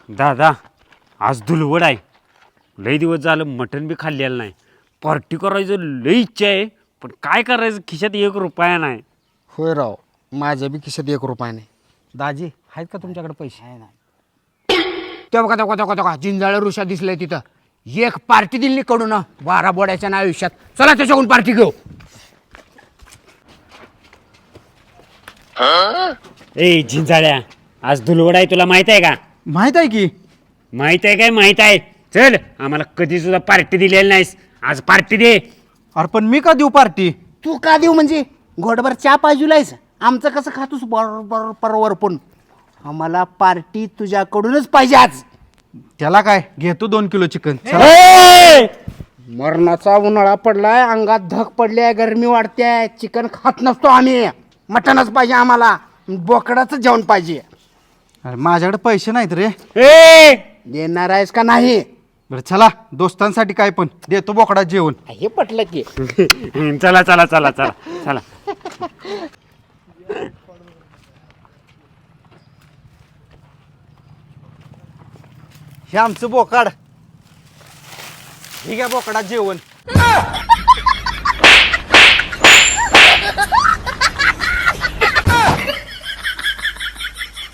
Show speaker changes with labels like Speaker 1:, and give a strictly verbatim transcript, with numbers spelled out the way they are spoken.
Speaker 1: दादा आज धुलवड आहे. लई दिवस झालं मटण बी खाल्लेलं नाही. पार्टी करायचं लई इच्छा आहे, पण काय करायचं खिशात एक रुपया नाही.
Speaker 2: होय राव, माझ्या बी खिशात एक रुपया नाही. दाजी आहेत का तुमच्याकडे पैसे? आहे ना. तेव्हा का तेव्हा तेव्हा जिंजाळ ऋषा दिसलंय तिथं. एक पार्टी दिली कडून बारा बोड्याच्या ना आयुष्यात. चला त्याच्याकडून पार्टी घेऊ.
Speaker 1: ए झिंजाळ्या, आज धुलवड आहे तुला माहित आहे का?
Speaker 2: माहित आहे की.
Speaker 1: माहित आहे काय? माहित आहे. चल, आम्हाला कधी सुद्धा पार्टी दिलेली नाहीस, आज पार्टी दे.
Speaker 2: अरे पण मी का देऊ पार्टी? तू का देऊ म्हणजे घोडभर चहा पाहिजेलायस. आमचं कसं खातोस बरोबर परवर पण आम्हाला पार्टी तुझ्याकडूनच पाहिजे आज.
Speaker 3: त्याला काय घेतो दोन किलो चिकन.
Speaker 1: ए!
Speaker 2: मरणाचा उन्हाळा पडलाय, अंगात धग पडली आहे, गरमी वाढते. चिकन खात नसतो आम्ही, मटणच पाहिजे आम्हाला. बोकडाचं जेवण पाहिजे.
Speaker 3: अरे माझ्याकडे पैसे नाहीत रे.
Speaker 1: ए!
Speaker 2: देणार आहेस का नाही?
Speaker 3: बरं चला, दोस्तांसाठी काय पण देतो बोकडा जेवण.
Speaker 2: हे पटलं की.
Speaker 1: चला चला चला चला चला.
Speaker 3: हे आमचं बोकाड. ठीक आहे बोकडा जेवण.